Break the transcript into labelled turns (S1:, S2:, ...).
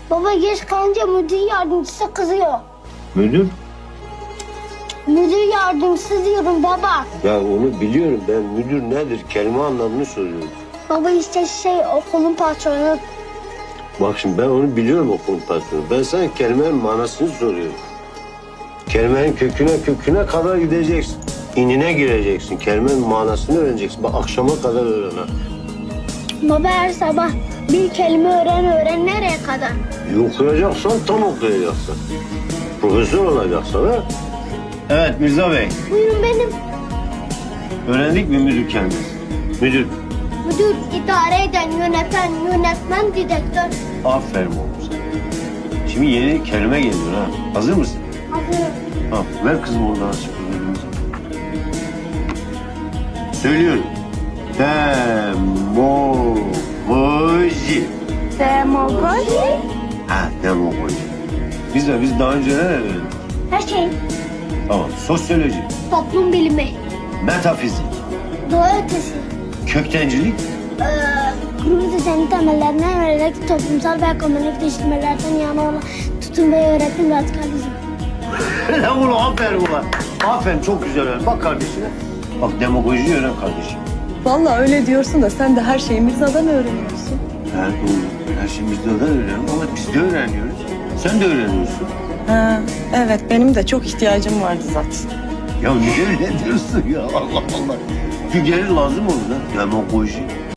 S1: Baba geç kalınca müdür yardımcısı kızıyor.
S2: Müdür?
S1: Müdür yardımcısı diyorum baba.
S2: Ya onu biliyorum ben. Müdür nedir? Kelime anlamını soruyorum.
S1: Baba işte okulun patronu.
S2: Bak şimdi ben onu biliyorum okulun patronu. Ben sana kelimenin manasını soruyorum. Kelimenin köküne kadar gideceksin. İnine gireceksin. Kelimenin manasını öğreneceksin. Bak akşama kadar öğren ha.
S1: Baba her sabah bir kelime öğren nereye kadar?
S2: Okuyacaksan tam okuyacaksın. Profesör olacaksın ha. Evet Mirza Bey.
S1: Buyurun benim.
S2: Öğrendik mi müdür kelimesi? Müdür.
S1: Müdür, idare eden, yöneten, yönetmen, direktör.
S2: Aferin oğlum sana. Şimdi yeni kelime geliyor ha. Hazır mısın?
S1: Hazırım.
S2: Tamam. Ver kızım oradan açık. Söylüyorum. Demagoji.
S1: Demagoji.
S2: Ha demagoji. Biz daha önce ne öğrendik?
S1: Her şey.
S2: Tamam. Sosyoloji.
S1: Toplum bilimi.
S2: Metafizik.
S1: Doğa ötesi.
S2: Köktencilik.
S1: Kurulu düzenin temellerinden vererek toplumsal ve ekonomik değiştirmelerden yana olan tutum ve öğretim radikalizm.
S2: Lan ulan aferin ulan. Aferin çok güzel öğren. Bak kardeşine. Bak demagojiyi öğren kardeşim.
S3: Vallahi öyle diyorsun da sen de her şeyi Mirza'dan öğreniyorsun.
S2: Ha doğru. Her şey bizde öğreniyorum ama biz de öğreniyoruz. Sen de öğreniyorsun.
S3: Ha, evet benim de çok ihtiyacım vardı zaten.
S2: Ya niye öyle diyorsun ya Allah Allah. Bir gelir lazım olur ha. Demagoji.